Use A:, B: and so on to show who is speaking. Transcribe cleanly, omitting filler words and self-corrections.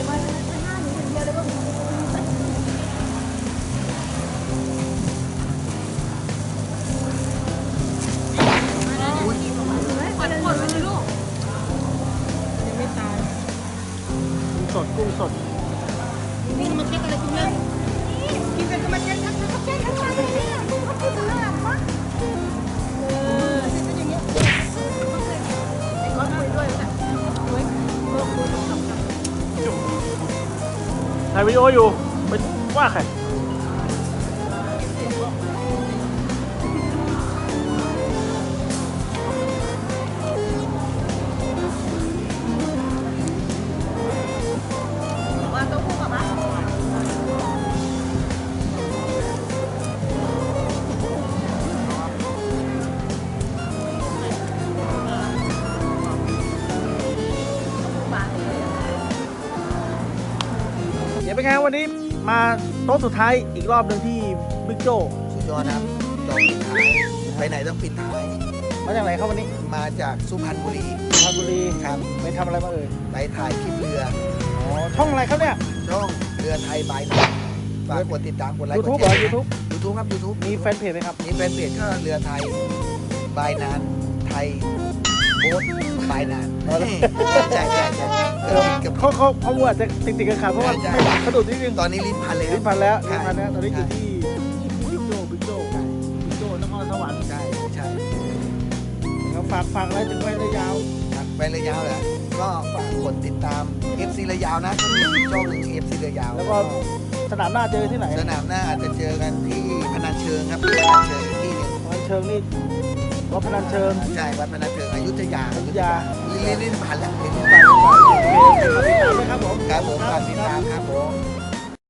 A: มาหน้าหนูคนเดียวเลยว่าขอดไว้เลยลูกยังไม่ตาย
B: กุ้งสด
A: นี่มาเช็คอะไรคุณแม่กินกันก็มาเช็คทั้งมาเช็คทั้งวันเลยเนี่ยเขาพูดถึงอะไรมั้งเช็คกันอย่างเงี้ยไอ้ก้อนคุยด้วยนะคุย
B: ถ่ายวิดีโออยู่ไปว่าใครเดี๋ยวเป็นไงวันนี้มาโต๊ะสุดท้ายอีกรอบหนึ่งที่บิ๊กโจ้
C: สุดยอดครับจองปิดท้ายไปไหนต้องปิดท้าย
B: มาจากไหนครับวันนี้
C: มาจากสุพรรณบุรี
B: สุพรรณบุรี
C: ครับ
B: ไปทำอะไรมาเอ่ย
C: ไปถ่ายคลิปเรือ
B: อ๋อช่องอะไรครับเนี่ย
C: ช่องเรือไทยบายนานฝากกดติดตามกดไลค์กดแชร์ YouTube ครับ YouTube
B: มีแฟนเพจไหมครับ
C: มีแฟนเพจก็เรือไทยบายนานไทยโบ๊ทบายนานใช่
B: เขาอาจจะติดกันขาดเพราะว่าสะดุดนิดนึง
C: ตอนนี้ลิ้นพันแล้ว
B: ลิ้นพันแล้วตอนนี้อยู่ที่บิ๊กโจ้นครสวรรค์
C: ใช่
B: แล้วฝากอะไรถึงไประยาว
C: ไประยาวเหรอก็ฝากกดติดตาม FC ระยาวนะก็มีช่องหนึ่ง FC ระยาว
B: แล้วก็สนามหน้าเจอที่ไหน
C: สนามหน้าอาจจะเจอกันที่พนัญเชิงครับพนัญเชิงที่นึง
B: พนัญเชิงนี่วัดพนัญเชิง
C: ใช่วัดพนัญเชิงอยุธยาลิ้นผ่านแล้วลิ้นผ่าน
B: ครับผม
C: ฝากติดตามครับผม